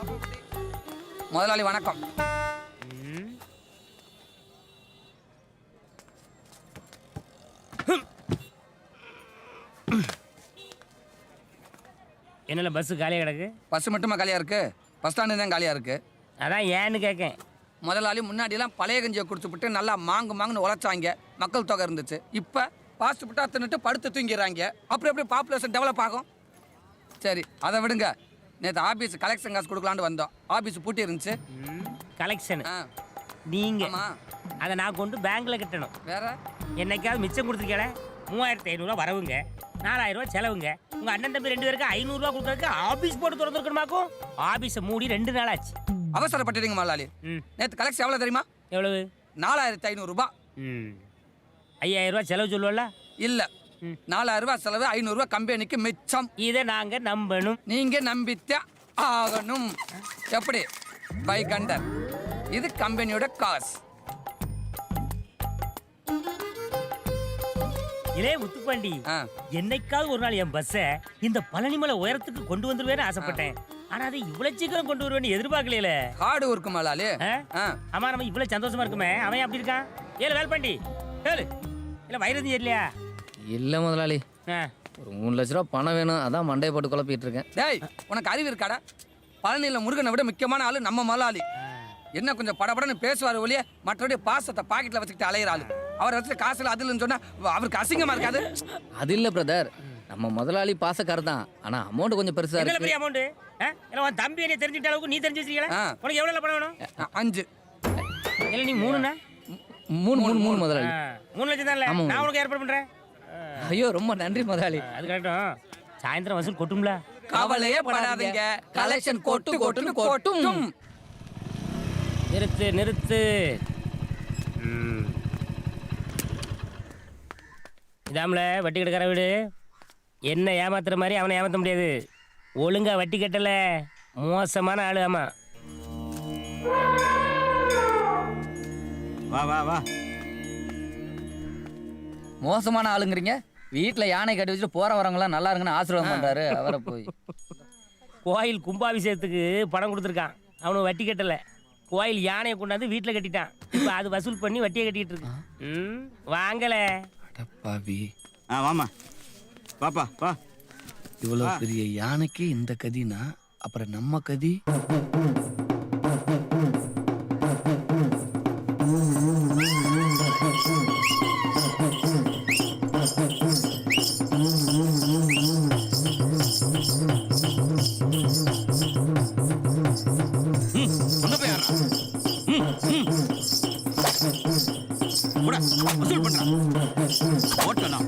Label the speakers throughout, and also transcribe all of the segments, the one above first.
Speaker 1: முதலாளி வணக்கம்.
Speaker 2: என்னல பஸ் காலியா கிடக்கு?
Speaker 1: பஸ் மட்டுமா காலியா இருக்கு? பஸ் ஸ்டாண்டு தான் காலியா இருக்கு.
Speaker 2: அதான் ஏன்னு கேட்கேன்.
Speaker 1: முதலாளி முன்னாடிலாம் பழைய கஞ்சியை குடிச்சுப்புட்டு நல்லா மாங்குன்னு உழைச்சாங்க, மக்கள் தொகை இருந்துச்சு. இப்போ பாஸ்ட் புட்டா தின்னுட்டு படுத்து தூங்கிடுறாங்க. அப்புறம் எப்படி பாப்புலேஷன் டெவலப் ஆகும்? சரி அதை விடுங்க. நேற்று ஆஃபீஸ் கலெக்ஷன் காசு கொடுக்கலான்னு வந்தோம். ஆஃபீஸ் பூட்டி இருந்துச்சு.
Speaker 2: கலெக்ஷன் நீங்க அதை நான் கொண்டு பேங்க்ல கட்டணும்.
Speaker 1: வேற
Speaker 2: என்னைக்காவது மிச்சம் கொடுத்துருக்கேன். 3500 வரவுங்க, 4000 செலவுங்க. உங்க அண்ணன் தம்பி 2 பேருக்கு 500 கொடுக்கறதுக்கு ஆபீஸ் போட்டு திறந்துருக்கணுமாக்கும். ஆபீஸை மூடி 2 நாள் ஆச்சு.
Speaker 1: அவசரப்பட்டுறீங்க முதலாளி. நேற்று கலெக்ஷன் எவ்வளோ தெரியுமா?
Speaker 2: எவ்வளவு?
Speaker 1: 4500 ரூபாய்.
Speaker 2: 5000 செலவு சொல்லுவல?
Speaker 1: இல்ல, 4000 ரூபாய் செலவு, 500 ரூபாய் கம்பெனிக்கு மிச்சம்.
Speaker 2: இதை நாங்க நம்பணும்.
Speaker 1: நீங்க நம்பித்தே ஆகணும். எப்படி? By counter. இது கம்பெனியோட காசு.
Speaker 2: இதே முத்துப்பாண்டி, என்னைக்காவது ஒரு நாள் என் பஸ்ஸை இந்த பழனிமலை உயரத்துக்கு கொண்டு வந்துருவேன்னு ஆசைப்பட்டேன். ஆனா அது இவ்வளவு சீக்கிரம் கொண்டு வருவேன்னு எதிர்பார்க்கல.
Speaker 1: ஹார்டு ஒர்க் மலாலி.
Speaker 2: ஆமா, நம்ம இவ்வளவு சந்தோஷமா இருக்குமே, அவன் அப்படி இருக்கான். ஏழு வேல்பாண்டி ஏழு இல்ல வைரதி இல்லையா?
Speaker 3: இல்ல முதலாளி, ஒரு 3 லட்ச ரூபா பணம் வேணும், அதான் மண்டையை போட்டு குழப்பிட்டு இருக்கேன்.
Speaker 1: டேய், உனக்கு அறிவு இருக்காடா? பழனியில் முருகனை விட முக்கியமான ஆளு நம்ம முதலாளி. என்ன கொஞ்சம் படபடன்னு பேசுவார் ஒழிய மற்றபடி பாசத்தை பாக்கெட்ல வச்சுக்கிட்டு அலையிற ஆளு. அவர் வச்சு காசுல அதுலன்னு சொன்னா அவருக்கு அசிங்கமா இருக்காது?
Speaker 3: அது இல்ல பிரதர், நம்ம முதலாளி பாசக்காரர் தான், ஆனா அமௌண்ட் கொஞ்சம் பெருசா இருக்கு.
Speaker 2: பெரிய அமௌண்ட் இல்ல, உன் தம்பி என்ன தெரிஞ்சிட்ட அளவுக்கு நீ தெரிஞ்சு வச்சிருக்கீங்களா? உனக்கு எவ்வளவு பணம் வேணும்?
Speaker 1: 5.
Speaker 2: இல்ல நீ 3னா?
Speaker 3: 3 முதலாளி.
Speaker 2: 3 லட்சம் தான். நான் உனக்கு ஏற்பாடு பண்றேன்.
Speaker 3: ஐயோ ரொம்ப நன்றி முதலாளி.
Speaker 2: அது கரெக்டும். சாயந்தரம் வசூல் கொட்டும்ல.
Speaker 1: கவலையே படாதீங்க, கலெக்ஷன் கொட்டுன்னு கொட்டும்.
Speaker 2: நிறுத்து. இதாம்ல வட்டி கட்டுக்கிற வீடு. என்ன ஏமாத்துற மாதிரி அவனை ஏமாத்த முடியாது. ஒழுங்கா வட்டி கட்டல, மோசமான ஆளு. ஆமா,
Speaker 4: வா வா வா.
Speaker 3: மோசமான ஆளுங்கிறீங்க? வீட்டுல யானை கட்டி வச்சுட்டு போற வரவங்களாம் நல்லா இருக்குன்னு ஆசீர்வாதம் பண்றாரு. அவரை போய்
Speaker 2: கோயில் கும்பாபிஷேகத்துக்கு பணம் கொடுத்துருக்கான், அவனுக்கு வட்டி கட்டல. கோயில் யானையை கொண்டாந்து வீட்டில் கட்டிட்டான். இப்போ அது வசூல் பண்ணி வட்டியை கட்டிட்டு இருக்கு. வாங்கல
Speaker 1: அடப்பாவி.
Speaker 4: வாமா பாப்பா வா.
Speaker 1: இவ்வளவு பெரிய யானைக்கு இந்த கதினா அப்புறம் நம்ம கதி.
Speaker 4: வசூல் பண்றான் ஓட்டலாம்.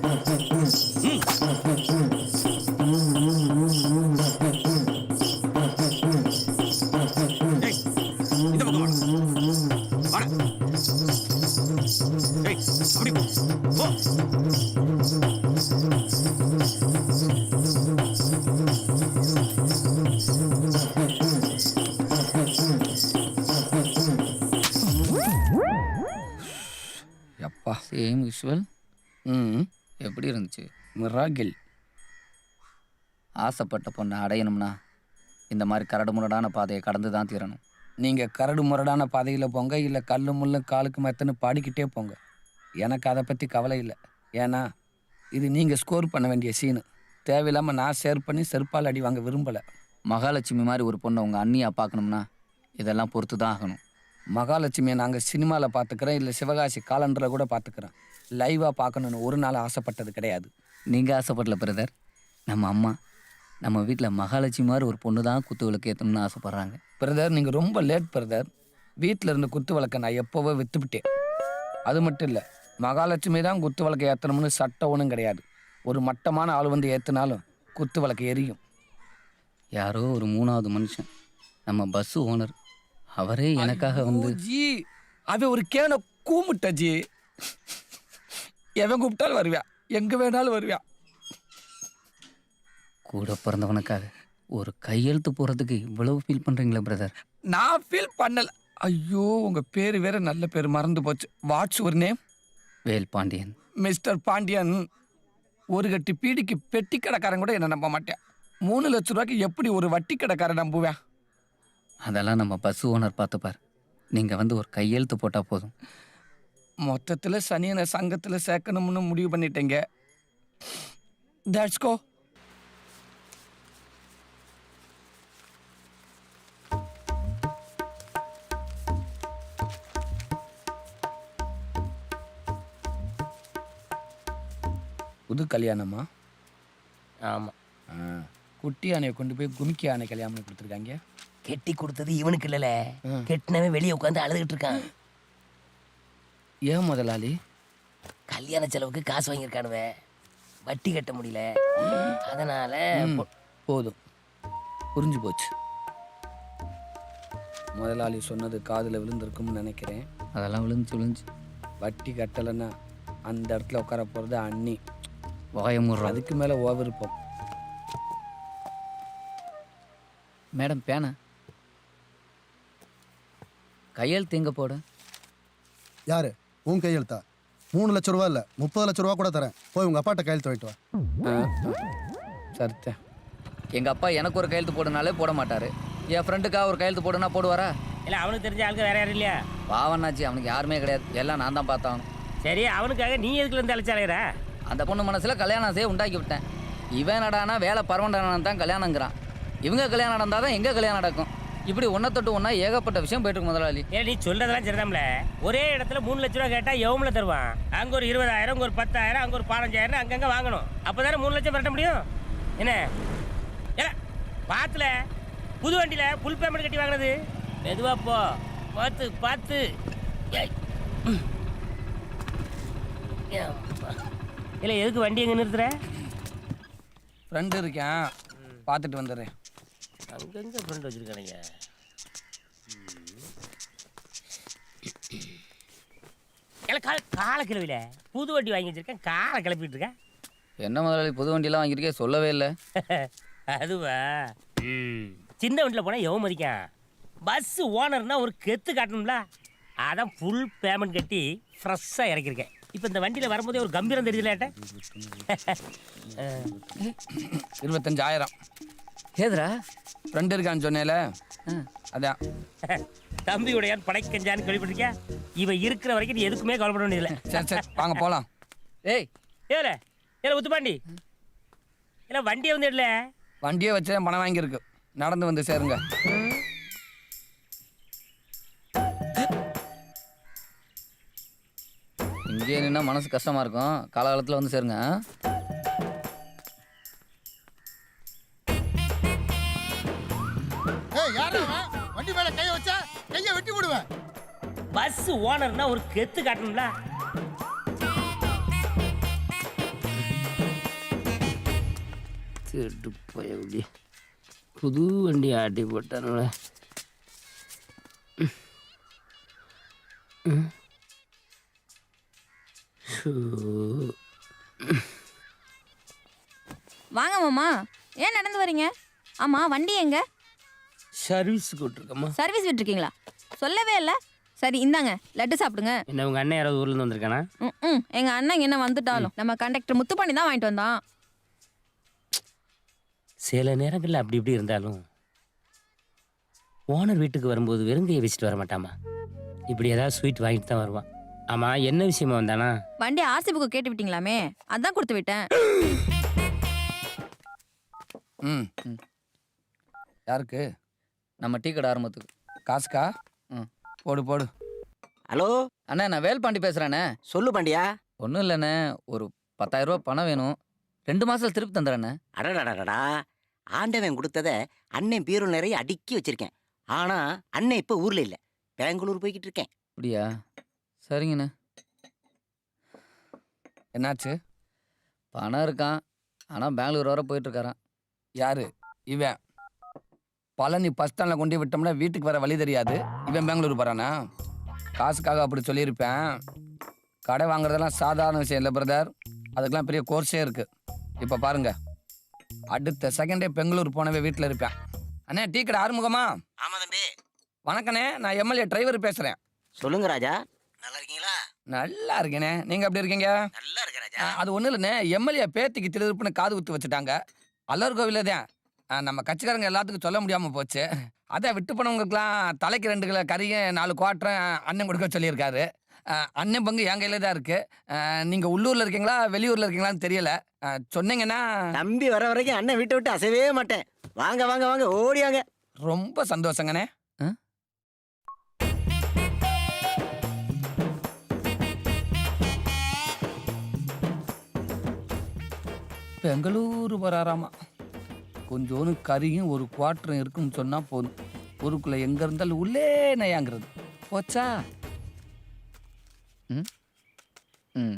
Speaker 4: இந்த பக்கம் வாடா. அப்படி போ.
Speaker 3: அப்பா சேம் விஷுவல். எப்படி இருந்துச்சு?
Speaker 1: மிராகில்.
Speaker 3: ஆசைப்பட்ட பொண்ணை அடையணும்னா இந்த மாதிரி கரடு முரடான பாதையை கடந்து தான் தீரணும்.
Speaker 1: நீங்கள் கரடு முரடான பாதையில் போங்க, இல்லை கல்லு முள்ளு காலுக்கு மெத்தன்னு பாடிக்கிட்டே போங்க. எனக்கு அதை பற்றி கவலை இல்லை. ஏன்னா இது நீங்கள் ஸ்கோர் பண்ண வேண்டிய சீனு. தேவையில்லாமல் நான் ஷேர் பண்ணி செருப்பால் அடி வாங்க விரும்பலை.
Speaker 3: மகாலட்சுமி மாதிரி ஒரு பொண்ணை உங்கள் அண்ணியா பார்க்கணும்னா இதெல்லாம் பொறுத்து தான் ஆகணும்.
Speaker 1: மகாலட்சுமியை நாங்கள் சினிமாவில் பார்த்துக்கிறோம், இல்லை சிவகாசி காலண்டரில் கூட பார்த்துக்கிறோம். லைவாக பார்க்கணுன்னு ஒரு நாள் ஆசைப்பட்டது கிடையாது.
Speaker 3: நீங்கள் ஆசைப்படல பிரதர். நம்ம அம்மா நம்ம வீட்டில் மகாலட்சுமி மாதிரி ஒரு பொண்ணு தான் குத்து விளக்கு ஏற்றணும்னு ஆசைப்பட்றாங்க.
Speaker 1: பிரதர், நீங்கள் ரொம்ப லேட் பிரதர். வீட்டில் இருந்த குத்து விளக்கை நான் எப்போவோ விற்றுப்பிட்டேன். அது மட்டும் இல்லை, மகாலட்சுமி தான் குத்து விளக்கை ஏற்றணும்னு சட்டம் ஒன்றும் கிடையாது. ஒரு மட்டமான ஆள் வந்து ஏற்றினாலும் குத்து விளக்கு எரியும்.
Speaker 3: யாரோ ஒரு 3வது மனுஷன், நம்ம பஸ்ஸு ஓனர், அவரே எனக்காக வந்து
Speaker 1: ஜி அவன் ஒரு கேனை கூமுட்ட ஜி. எவன் கூப்பிட்டாலும் வருவியா, எங்கே வேணாலும் வருவியா.
Speaker 3: கூட பிறந்தவனுக்காக ஒரு கையெழுத்து போகிறதுக்கு இவ்வளவு ஃபீல் பண்ணுறீங்களா பிரதர்?
Speaker 1: நான் ஃபீல் பண்ணல. ஐயோ, உங்கள் பேர் வேற நல்ல பேர் மறந்து போச்சு. What's your name?
Speaker 3: Vel Pandian.
Speaker 1: Mister Pandian, ஒரு கட்டி பீடிக்கு பெட்டி கடைக்காரன் கூட என்ன நம்ப மாட்டேன். 3 லட்ச ரூபாய்க்கு எப்படி ஒரு வட்டி கடைக்காரன் நம்புவேன்?
Speaker 3: அதெல்லாம் நம்ம பஸ் ஓனர் பார்த்துப்பார். நீங்கள் வந்து ஒரு கையெழுத்து போட்டால் போதும்.
Speaker 1: மொத்தத்தில் சனியனை சங்கத்தில் சேர்க்கணும்னு முடிவு பண்ணிட்டேங்க. That's go. புது கல்யாணமா?
Speaker 2: ஆமாம்.
Speaker 1: குட்டி யானையை கொண்டு போய் கும்கி யானை கல்யாணம் கொடுத்துருக்காங்க.
Speaker 2: கெட்டி கொடுத்தது இவனுக்கு இல்லைல்ல, கெட்டினவன் வெளியே உட்காந்து அழுதுகிட்டு இருக்கான்.
Speaker 1: ஏன் முதலாளி?
Speaker 2: கல்யாண செலவுக்கு காசு வாங்கியிருக்கானுவே, வட்டி கட்ட முடியல, அதனால
Speaker 1: போதும், புரிஞ்சு போச்சு. முதலாளி சொன்னது காதில் விழுந்திருக்கும்னு நினைக்கிறேன்.
Speaker 3: அதெல்லாம் விழுந்துச்சு.
Speaker 1: வட்டி கட்டலைன்னா அந்த இடத்துல உட்கார போகிறது அண்ணி.
Speaker 3: வாயமுடுறோம்.
Speaker 1: அதுக்கு மேலே விருப்பம்.
Speaker 3: மேடம் பேனா கையெழுத்து எங்கே போட?
Speaker 5: யாரு உன் கையெழுத்தா? 3 லட்ச ரூபா இல்லை 30 லட்ச ரூபா கூட தரேன். போய் உங்கள் அப்பாட்ட கையெழுத்து வாங்கிட்டு வா.
Speaker 1: சரித்தேன்.
Speaker 3: எங்கள் அப்பா எனக்கு ஒரு கையெழுத்து போடுனாலே போட மாட்டார். என் ஃப்ரெண்டுக்காக ஒரு கையெழுத்து போடுனா போடுவாரா?
Speaker 2: இல்லை, அவனுக்கு தெரிஞ்ச ஆளுக்கு வேற யாரும் இல்லையா?
Speaker 3: பாவனாச்சு, அவனுக்கு யாருமே கிடையாது. எல்லாம் நான் தான் பார்த்தாகணும்.
Speaker 2: சரி, அவனுக்காக நீ எதுக்குல இருந்து அழைச்சாலையிற?
Speaker 3: அந்த பொண்ணு மனசில் கல்யாணம் உண்டாக்கி விட்டேன். இவன் நடானா வேலை பரவண்டான தான் கல்யாணங்கிறான். இவங்க கல்யாணம் நடந்தால் தான் எங்கே கல்யாணம் நடக்கும். இப்படி ஒன்றை தொட்டு ஒன்றா ஏகப்பட்ட விஷயம் போயிட்டு இருக்கு முதலாளி.
Speaker 2: ஏன் நீ சொல்றதெல்லாம் சரிதான்ல. ஒரே இடத்துல 3 லட்ச ரூபா கேட்டால் எவ்வளோ தருவான்? அங்கே ஒரு 20,000, அங்கே ஒரு 10,000, அங்கே ஒரு 15,000 அங்கங்கே வாங்கணும். அப்போ தானே 3 லட்சம் பரட்ட முடியும். என்ன ஏ பாத்துல புது வண்டியில் ஃபுல் பேமெண்ட் கட்டி வாங்கினது. மெதுவா போ, பார்த்து பார்த்து. இல்லை, எதுக்கு வண்டி எங்கே நிறுத்துற?
Speaker 1: ஃப்ரெண்டு இருக்கேன், பார்த்துட்டு வந்துடுறேன்.
Speaker 2: அங்கங்கே ஃப்ரெண்ட் வச்சுருக்கானுங்க. காலை கிளவில புது வண்டி வாங்கி வச்சிருக்கேன், காரை கிளப்பிட்டு இருக்கேன்.
Speaker 3: என்ன முதலாளி புது வண்டியெல்லாம் வாங்கியிருக்கே, சொல்லவே இல்லை.
Speaker 2: அதுவா? சின்ன வண்டியில் போனால் எவன் மதிக்கான்? பஸ் ஓனர்னா ஒரு கெத்து காட்டணும்ல, அதான் ஃபுல் பேமெண்ட் கட்டி ஃப்ரெஷ்ஷாக இறக்கியிருக்கேன். இப்போ இந்த வண்டியில் வரும்போதே ஒரு கம்பீரம் தெரியுதுல.
Speaker 1: 25,000.
Speaker 3: ஏதுரா?
Speaker 1: ஃப்ரெண்டு இருக்கான்னு சொன்னேல, அதான்.
Speaker 2: தம்பியுடையான் படைக்கஞ்சான்னு கேள்விப்பட்டிருக்கியா? இவன் இருக்கிற வரைக்கும் நீ எதுக்குமே கவலைப்பட வேண்டியதில்லை.
Speaker 1: சரி சரி, வாங்க போகலாம்.
Speaker 3: ஏய்
Speaker 2: ஏல ஏல உத்துப்பாண்டி, இல்லை வண்டியை வந்து இல்லை,
Speaker 1: வண்டியை வச்சு பணம் வாங்கியிருக்கு. நடந்து வந்து சேருங்க.
Speaker 3: இங்கே நின்னா மனசு கஷ்டமா இருக்கும். காலகாலத்தில் வந்து சேருங்க.
Speaker 5: வண்டி மேல கைய வச்சா கைய வெட்டி விடுவேன்.
Speaker 2: பஸ் ஓனர்னா ஒரு கெத்து காட்டணும்ல. கேட்டு போய் புது வண்டி ஆட்டி போட்டானுங்களே.
Speaker 6: வாங்க மாமா, ஏன் நடந்து வரீங்க? ஆமா, வண்டி எங்க?
Speaker 2: சர்வீஸ் கூட்டிருக்கம்மா.
Speaker 6: சர்வீஸ் விட்டுருக்கீங்களா? சொல்லவே இல்லை. சரி இந்தாங்க, லட்டு சாப்பிடுங்க.
Speaker 2: என்ன உங்க அண்ணன் யாராவது ஊர்ல இருந்து வந்திருக்கானா?
Speaker 6: எங்க அண்ணன் என்ன வந்துட்டாலும் நம்ம கண்டக்டர் முத்துப்பாண்டி தான் வாங்கிட்டு வந்தான்.
Speaker 2: சில நேரங்களில் அப்படி இப்படி இருந்தாலும் ஓனர் வீட்டுக்கு வரும்போது வெறுங்கையை வச்சுட்டு வர மாட்டாமா. இப்படி ஏதாவது ஸ்வீட் வாங்கிட்டு தான் வருவான். ஆமா, என்ன விஷயமா வந்தானா?
Speaker 6: வண்டி ஆர்சி புக்கு கேட்டு விட்டீங்களாமே, அதான் கொடுத்து விட்டேன்.
Speaker 1: யாருக்கு?
Speaker 3: நம்ம டீ கடை ஆரம்பத்துக்கு.
Speaker 1: காசுக்கா? போடு போடு.
Speaker 7: ஹலோ
Speaker 3: அண்ணா, நான் வேல்பாண்டி பேசுகிறேண்ணே.
Speaker 7: சொல்லு பாண்டியா.
Speaker 3: ஒன்றும் இல்லைண்ணே, ஒரு 10,000 ரூபா பணம் வேணும். 2 மாதத்தில் திருப்பி தந்துடுறேண்ணே.
Speaker 7: அடடடடா, ஆண்டவன் கொடுத்தத அண்ணன் பீரோ நிறைய அடுக்கி வச்சிருக்கேன். ஆனா அண்ணன் இப்ப ஊர்ல இல்ல, பெங்களூர் போய்கிட்டு இருக்கேன்.
Speaker 3: அப்படியா? சரிங்கண்ணே.
Speaker 1: என்னாச்சு?
Speaker 3: பணம் இருக்கான், ஆனால் பெங்களூர் வர போயிட்டுருக்காரான்.
Speaker 1: யாரு இவன்? பழனி பஸ் ஸ்டாண்டில் கொண்டு விட்டோம்னா வீட்டுக்கு வர வழி தெரியாது. இவன் பெங்களூர் போகிறானா? காசுக்காக அப்படி சொல்லியிருப்பேன். கடை வாங்குறதெல்லாம் சாதாரண விஷயம் இல்லை பிரதர், அதுக்கெல்லாம் பெரிய கோர்ஸே இருக்குது. இப்போ பாருங்க, அடுத்த செகண்டே பெங்களூர் போனவே வீட்டில் இருப்பேன். அண்ணே, டீ கடை ஆறுமுகமா?
Speaker 7: ஆமா தம்பி.
Speaker 1: வணக்கண்ணே, நான் எம்எல்ஏ டிரைவர் பேசுகிறேன்.
Speaker 7: சொல்லுங்க ராஜா, நல்லா இருக்கீங்களா?
Speaker 1: நல்லா இருக்கேனே, நீங்கள் எப்படி இருக்கீங்க?
Speaker 7: நல்லா இருக்க ராஜா.
Speaker 1: அது ஒன்றும் இல்லைண்ணே, எம்எல்ஏ பேத்திக்கு திருப்புன்னு காது குத்து வச்சுட்டாங்க. அல்லர் கோவில தான். நம்ம கட்சிக்காரங்க எல்லாத்துக்கும் சொல்ல முடியாமல் போச்சு. அதான் விட்டு போனவங்களுக்குலாம் தலைக்கு 2 கிலோ கறியும் 4 குவாட்டரும் அண்ணன் கொடுக்க சொல்லியிருக்காரு. அண்ணன் பங்கு என் கையில் தான் இருக்கு. நீங்கள் உள்ளூரில் இருக்கீங்களா வெளியூரில் இருக்கீங்களான்னு தெரியல. சொன்னீங்கன்னா
Speaker 7: தம்பி வர வரைக்கும் அண்ணன் வீட்டை விட்டு அசையவே மாட்டேன். வாங்க வாங்க வாங்க ஓடியாங்க.
Speaker 1: ரொம்ப சந்தோஷங்கண்ணே. பெங்களூரு வராராமா. கொஞ்சோன்னு கறியும் 1 குவாட்டரும் இருக்குன்னு சொன்னா போதும். ஊருக்குள்ள எங்க இருந்தாலும் உள்ளே நயாங்கிறது போச்சா.
Speaker 3: ம்